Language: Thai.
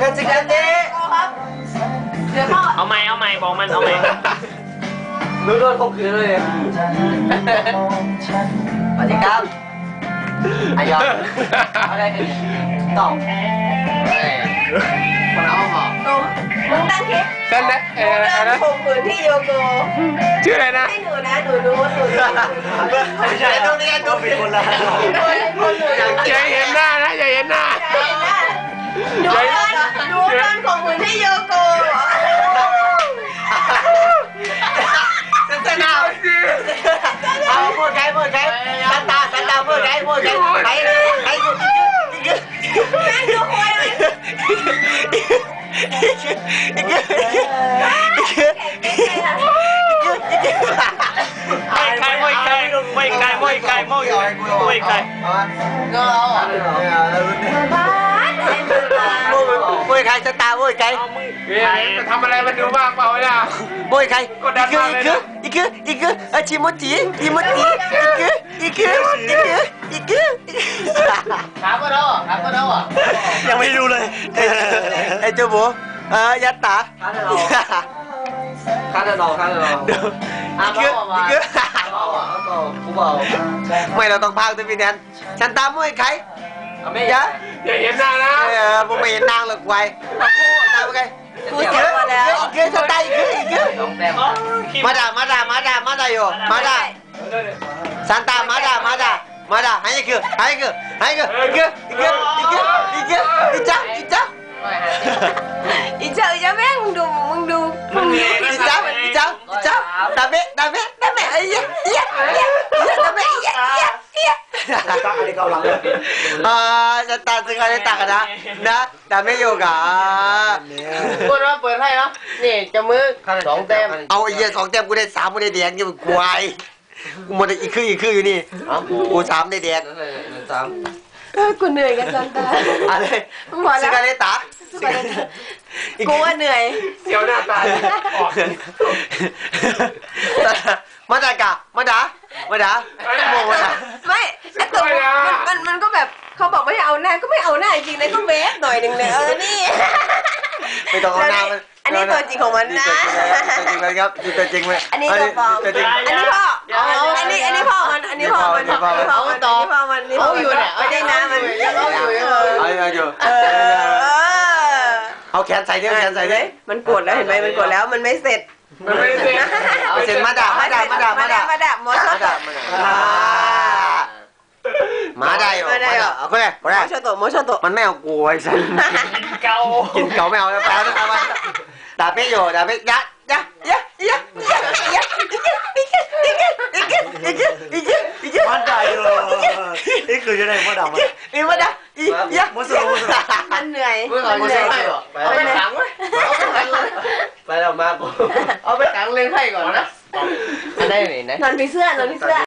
สิกันเด้เดี๋ยวพ่อเอาใหม่บอกมันเอาใหม่รู้โดนข่มขืนเลยสวัสดีครับอายออะไรกันต้องคนเอาหรอมึงตั้งคลิปนั่นนะมึงข่มขืนที่โยโกชื่ออะไรนะให้หนูนะหนูรู้ไม่ใช่ตรงนี้ตัวเป็นคนละอย่าเห็นหน้านะอย่าเห็นหน้าดูกันข่มขืนที่โยโกจะหนาวเอาพูดไกพูดไกสันตาพูดไกพูดไกไกแม่งดูควยเลยมวยใครจะตามวยใครจะทำอะไรมันดูบ้างเปล่าเนี่ยมวยใครอีกชิโมจิถามมาแล้วยังไม่รู้เลยไอ้เจ้าบัวยัตตาข้าจะรอไม่เราต้องพากตัวพี่แนนฉันตามมวยใครไม่อย่าเห็นหน้านะผมไม่เห็นนางหรอกไว้ตามไปกูเจ็บมาแล้วอีกสไตล์อีกมาด่าอยู่มาด่าซันตามาด่าให้คืออีจ้าอีเจ้าแม่งมึงดูอีจ้าดาเมไอ้เหี้ยดาเมอะไรเกาหลังจะตัดสิ่งอะไรตัดกันนะดาเมโยกะพูดว่าเปิดให้เนาะนี่จะมือ2 แต้มเอาไอ้เหี้ย2 แต้มกูได้3กูได้แดงกูควายกูหมดอีกคืออยู่นี่กู3ได้แดงกูเหนื่อยกันจังตาอะไรซิกาเลตากูว่าเหนื่อยเสียวหน้าตามาด่ามองมาด่าไม่ไอ้ตัวมันก็แบบเขาบอกไม่ให้เอาหน้าก็ไม่เอาหน้าจริงๆเลยก็เวฟหน่อยนึงเลยนี่ไม่ต้องเอาหน้าอันนี้ตัวจริงของมันนะตัวจริงเลยครับตัวจริงเลยอันนี้ตัวปลอมอันนี้พ่ออันนี้พ่อมันเขาอยู่เนี่ยไม่ได้นะมันเอาแขนใส่ด้วยมันกดแล้วเห็นไหมมันกดแล้วมันไม่เสร็จเสร็จมาด่าหมอชอบโตมันไม่เอากูไอ้สัสกินเกาไม่เอาแล้วแปลแล้วมาด่าเป๊ะอยู่ด่าเป๊ะยะมันได้เลยนี่คือจะได้มาด่ามันมาด่ามันเหนื่อยเอาไปขังไปแล้วมาเอาไปขังเล่นไพ่ก่อนนะได้ไหนนอนผีเสื้อ